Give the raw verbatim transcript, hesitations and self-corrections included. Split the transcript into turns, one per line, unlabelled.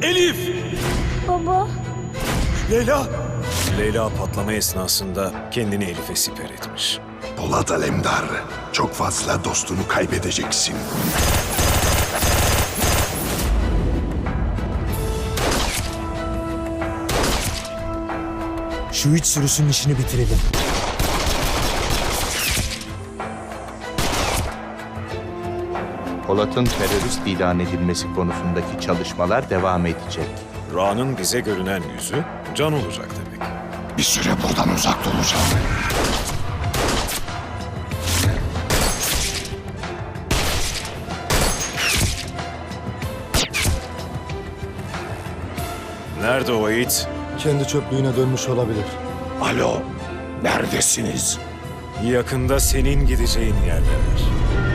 Elif!
Baba.
Leyla! Leyla patlama esnasında kendini Elif'e siper etmiş.
Polat Alemdar, çok fazla dostunu kaybedeceksin.
Şu üç sürüsünün işini bitirelim.
Polat'ın terörist ilan edilmesi konusundaki çalışmalar devam edecek.
Ra'nın bize görünen yüzü Can olacak demek.
Bir süre buradan uzak duracağım.
Nerede o it?
Kendi çöplüğüne dönmüş olabilir.
Alo, neredesiniz?
Yakında senin gideceğin yerdeler.